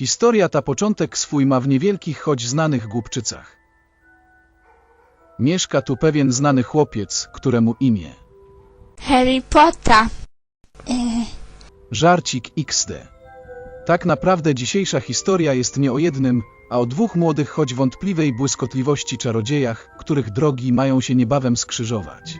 Historia ta początek swój ma w niewielkich, choć znanych Głupczycach. Mieszka tu pewien znany chłopiec, któremu imię Harry Potter. Żarcik XD. Tak naprawdę dzisiejsza historia jest nie o jednym, a o dwóch młodych, choć wątpliwej błyskotliwości czarodziejach, których drogi mają się niebawem skrzyżować.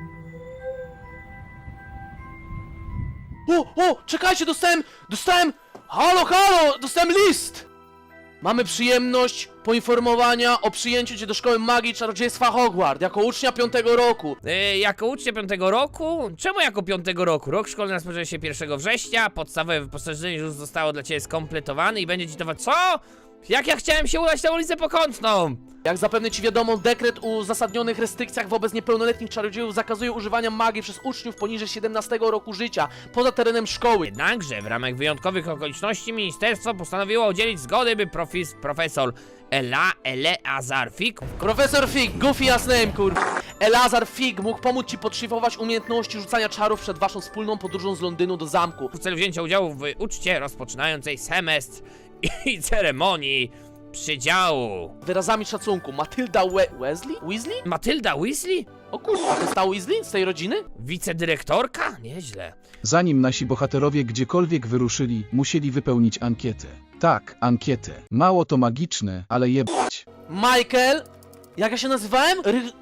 O, czekajcie, dostałem, halo, dostałem list! Mamy przyjemność poinformowania o przyjęciu cię do Szkoły Magii i Czarodziejstwa Hogwart jako ucznia 5. roku. Jako ucznia 5. roku? Czemu jako 5. roku? Rok szkolny rozpoczyna się 1 września, podstawowe wyposażenie już zostało dla ciebie skompletowane i będzie ci to... Co? Jak ja chciałem się udać na ulicę Pokątną? Jak zapewne ci wiadomo, dekret o uzasadnionych restrykcjach wobec niepełnoletnich czarodziejów zakazuje używania magii przez uczniów poniżej 17 roku życia, poza terenem szkoły. Jednakże w ramach wyjątkowych okoliczności ministerstwo postanowiło udzielić zgody, by profesor Eleazar Fig Profesor Fig, goofy ass name, Eleazar Fig mógł pomóc ci podszlifować umiejętności rzucania czarów przed waszą wspólną podróżą z Londynu do zamku. w celu wzięcia udziału w uczcie rozpoczynającej semestr i ceremonii przydziału. Wyrazami szacunku, Matylda Weasley? Matylda Weasley? O kurwa, to jest ta Weasley z tej rodziny? Wicedyrektorka? Nieźle. Zanim nasi bohaterowie gdziekolwiek wyruszyli, musieli wypełnić ankietę. Tak, ankietę. Mało to magiczne, ale jebać. Michael, jak ja się nazywałem?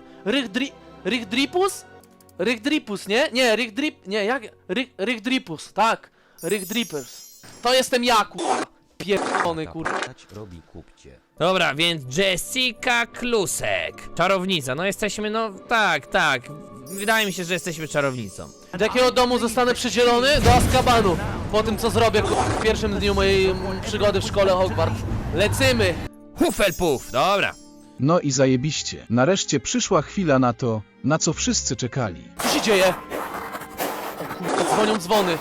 Rychdripus? Rychdripus, nie? Nie, Rychdripus, tak. Rychdrippers. To jestem ja, kurwa. Pierdolony, kurwa. Robi kupcie. Dobra, więc Jessica Klusek. Czarownica, no jesteśmy, no tak. Wydaje mi się, że jesteśmy czarownicą. Do jakiego domu zostanę przydzielony? Do Azkabanu. Po tym, co zrobię w pierwszym dniu mojej przygody w szkole Hogwart. Lecymy! Hufflepuff, dobra. No i zajebiście. Nareszcie przyszła chwila na to, na co wszyscy czekali. Co się dzieje? O kurwa, dzwonią dzwony.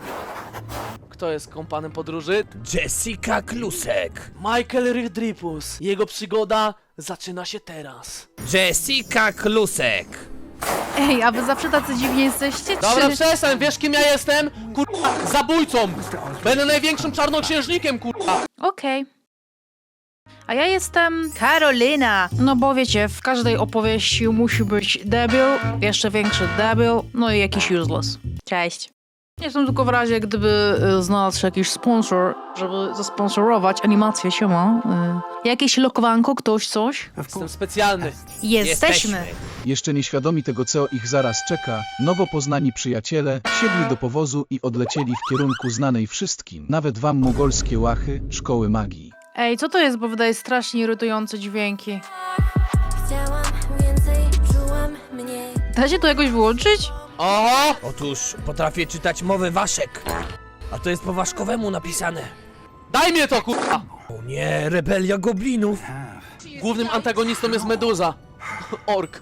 Kto jest kompanem podróży? Jessica Klusek. Michael Rychdripus. Jego przygoda zaczyna się teraz. Jessica Klusek. Ej, a wy zawsze tacy dziwnie jesteście, Dobra, czy... przestań, wiesz kim ja jestem? Kurwa, zabójcą! Będę największym czarnoksiężnikiem, kurwa! Okej. A ja jestem Karolina. No bo wiecie, w każdej opowieści musi być debil, jeszcze większy debil, no i jakiś useless. Cześć. Jestem tylko w razie, gdyby znalazł się jakiś sponsor, żeby zasponsorować animację, siema. Jakieś lokowanko, ktoś, coś? Jestem specjalny. Jesteśmy. Jeszcze nieświadomi tego, co ich zaraz czeka, nowo poznani przyjaciele wsiedli do powozu i odlecieli w kierunku znanej wszystkim, nawet wam mogolskie łachy, szkoły magii. Ej, co to jest, bo wydaje strasznie irytujące dźwięki. Chciałam więcej, czułam mniej. Da się to jakoś wyłączyć? Oho! Otóż potrafię czytać mowę waszek. A to jest po waszkowemu napisane. Daj mnie to, kurwa! O nie, rebelia goblinów. Głównym antagonistą jest Meduza. Ork.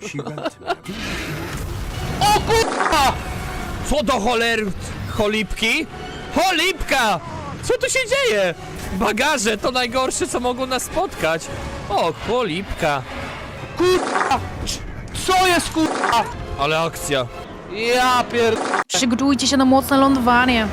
O kurwa! Co do cholery... Cholipki? Cholipka! Co tu się dzieje? Bagaże to najgorsze, co mogło nas spotkać. O, cholipka. Kurwa! Co jest, kurwa? Ale akcja. Ja pier... Przygotujcie się na mocne lądowanie.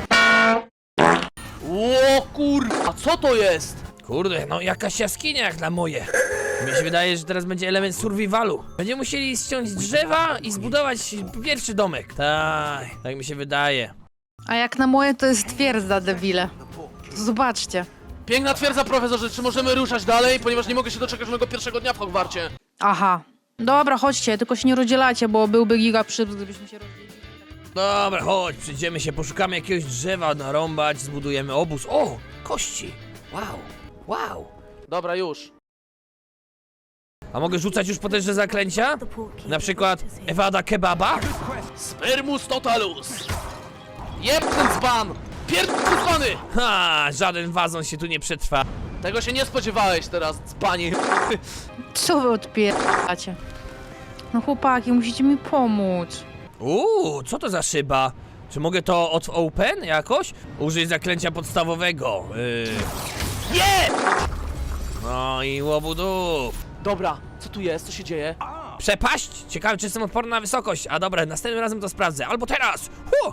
O kurwa, co to jest? Kurde, no jakaś jaskinia jak na moje. Mi się wydaje, że teraz będzie element survivalu. Będziemy musieli ściąć drzewa i zbudować pierwszy domek. Tak mi się wydaje. A jak na moje, to jest twierdza, debile. Zobaczcie. Piękna twierdza, profesorze, czy możemy ruszać dalej? Ponieważ nie mogę się doczekać mojego pierwszego dnia w Hogwarcie. Aha. Dobra, chodźcie, tylko się nie rozdzielacie, bo byłby giga przyps, gdybyśmy się rozdzielili. Dobra, chodź, przyjdziemy się, poszukamy jakiegoś drzewa narąbać, zbudujemy obóz. O, kości. Wow. Dobra, już. A mogę rzucać już potężne zaklęcia? Na przykład Ewada Kebaba? Spermus totalus. Jeb ten dzban! Pierdolony dzbany! Ha, żaden wazon się tu nie przetrwa. Tego się nie spodziewałeś teraz, dzbanie. Co wy odpieracie? No chłopaki, musicie mi pomóc. Co to za szyba? Czy mogę to od open jakoś? Użyj zaklęcia podstawowego. Nie! No i łobudów. Dobra, co tu jest? Co się dzieje? Przepaść? Ciekawe, czy jestem odporny na wysokość. A dobra, następnym razem to sprawdzę. Albo teraz!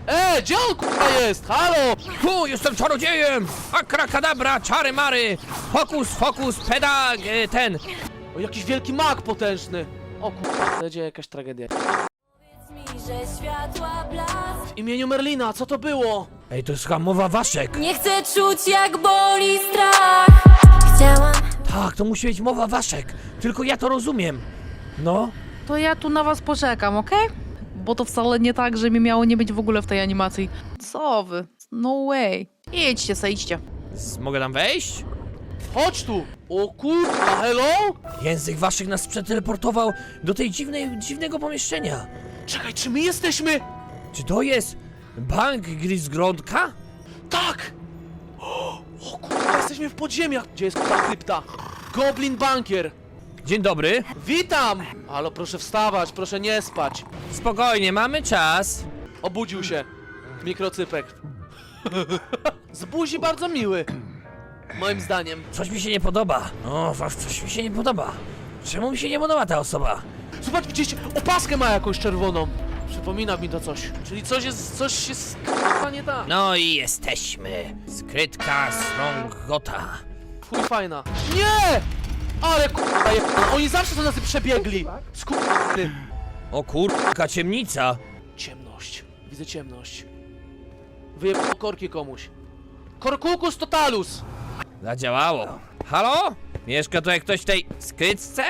Gdzie on kurwa jest? Halo! Tu, jestem czarodziejem! Akrakadabra, czary mary! Fokus, fokus, pedag, ten! O, jakiś wielki mag potężny! O kurwa, będzie jakaś tragedia. Powiedz mi, że światła blask. W imieniu Merlina, co to było? Ej, to jest chyba mowa waszek! Nie chcę czuć, jak boli strach. Chciałam Tak, to musi być mowa waszek! Tylko ja to rozumiem! No, To ja tu na was poczekam, okej? Bo to wcale nie tak, że mi miało nie być w ogóle w tej animacji. Co wy? No way. Idźcie, idźcie. mogę tam wejść? Chodź tu! O kurwa, hello? Język waszek nas przeteleportował do tej dziwnego pomieszczenia. Czekaj, czy my jesteśmy? Czy to jest bank Grisgrondka? Tak! O kurwa, jesteśmy w podziemiach. Gdzie jest ta krypta? Goblin Bankier. Dzień dobry. Witam! Halo, proszę wstawać, proszę nie spać. Spokojnie, mamy czas. Obudził się. Mikrocypek. Z buzi bardzo miły. Moim zdaniem. Coś mi się nie podoba. O, coś mi się nie podoba. Czemu mi się nie podoba ta osoba? Zobacz, widzieliście? Opaskę ma jakąś czerwoną. Przypomina mi to coś. Czyli coś jest k***a nie tak. No i jesteśmy. Skrytka Srongota. Chuj fajna. Nie! Ale k***a jebana. Oni zawsze są nas przebiegli. Skurwy. O kurka, ciemnica. Ciemność. Widzę ciemność. Wyjebał korki komuś. Korkukus totalus. Zadziałało. Halo? Mieszka tu jak ktoś w tej skrytce?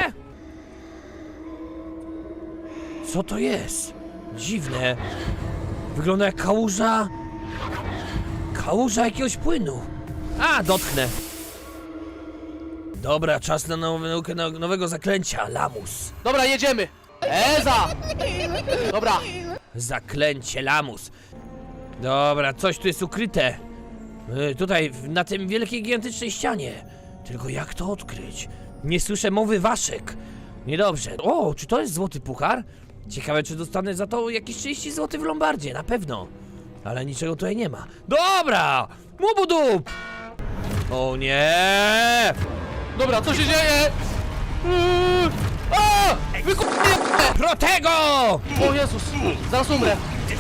Co to jest? Dziwne. Wygląda jak kałuża. Kałuża jakiegoś płynu. A, dotknę. Dobra, czas na naukę nowego zaklęcia. Lamus. Dobra, jedziemy. Eza! Dobra. Zaklęcie Lamus. Dobra, coś tu jest ukryte. Tutaj, na tym wielkiej, gigantycznej ścianie. Tylko jak to odkryć? Nie słyszę mowy waszek. Niedobrze. O, czy to jest złoty puchar? Ciekawe, czy dostanę za to jakieś 30 zł w Lombardzie, na pewno. Ale niczego tutaj nie ma. Dobra! Mubudup! O nie! Dobra, co się dzieje? A! Protego! O Jezus, zaraz umrę.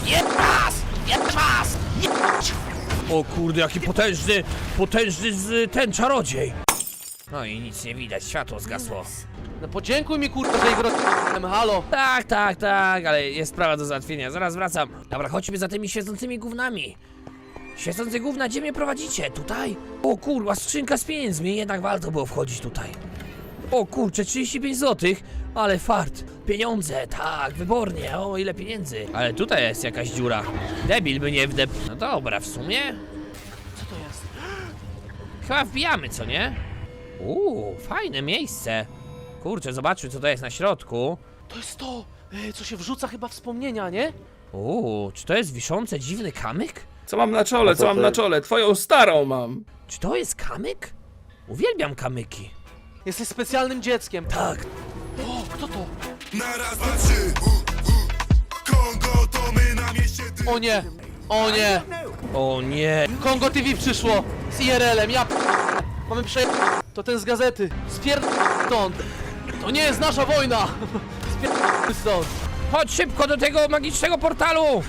O kurde, jaki potężny ten czarodziej. No i nic nie widać, światło zgasło. No podziękuj mi kurwa, że ich halo. Tak, ale jest sprawa do załatwienia, zaraz wracam. Dobra, chodźmy za tymi świecącymi gównami. Świecące gówna, gdzie mnie prowadzicie? Tutaj? O kurwa, skrzynka z pieniędzmi, jednak warto było wchodzić tutaj. O kurczę, 35 zł, ale fart. Pieniądze, tak, wybornie, o ile pieniędzy. Ale tutaj jest jakaś dziura. Debil by nie wdep... No dobra, w sumie? Co to jest? Chyba wbijamy, co nie? Fajne miejsce. Kurczę, zobaczmy co to jest na środku. To jest to, co się wrzuca chyba wspomnienia, nie? Czy to jest wiszący dziwny kamyk? Co mam na czole, co mam na czole? Twoją starą mam. Czy to jest kamyk? Uwielbiam kamyki. Jesteś specjalnym dzieckiem. Tak. O, kto to? Na raz, dwa, trzy. Kongo to my na mieście. O nie, o nie. O nie. Kongo TV przyszło z IRL-em, ja mamy to ten z gazety. Stąd. To nie jest nasza wojna. Stąd. Chodź szybko do tego magicznego portalu.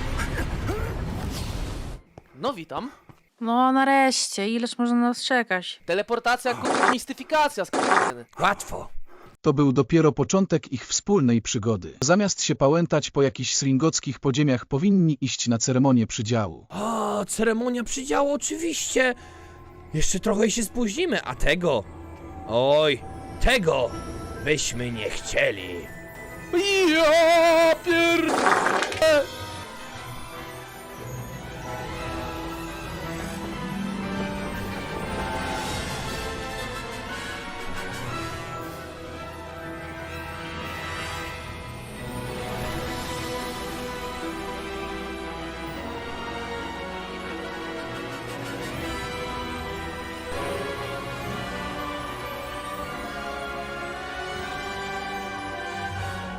No witam. No nareszcie, ileż można nas czekać? Teleportacja, mistyfikacja. Łatwo. To był dopiero początek ich wspólnej przygody. Zamiast się pałętać po jakichś sringockich podziemiach, powinni iść na ceremonię przydziału. O, ceremonia przydziału, oczywiście. Jeszcze trochę i się spóźnimy, a tego... Oj, tego byśmy nie chcieli. Ja pier...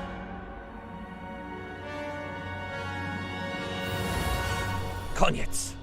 Koniec.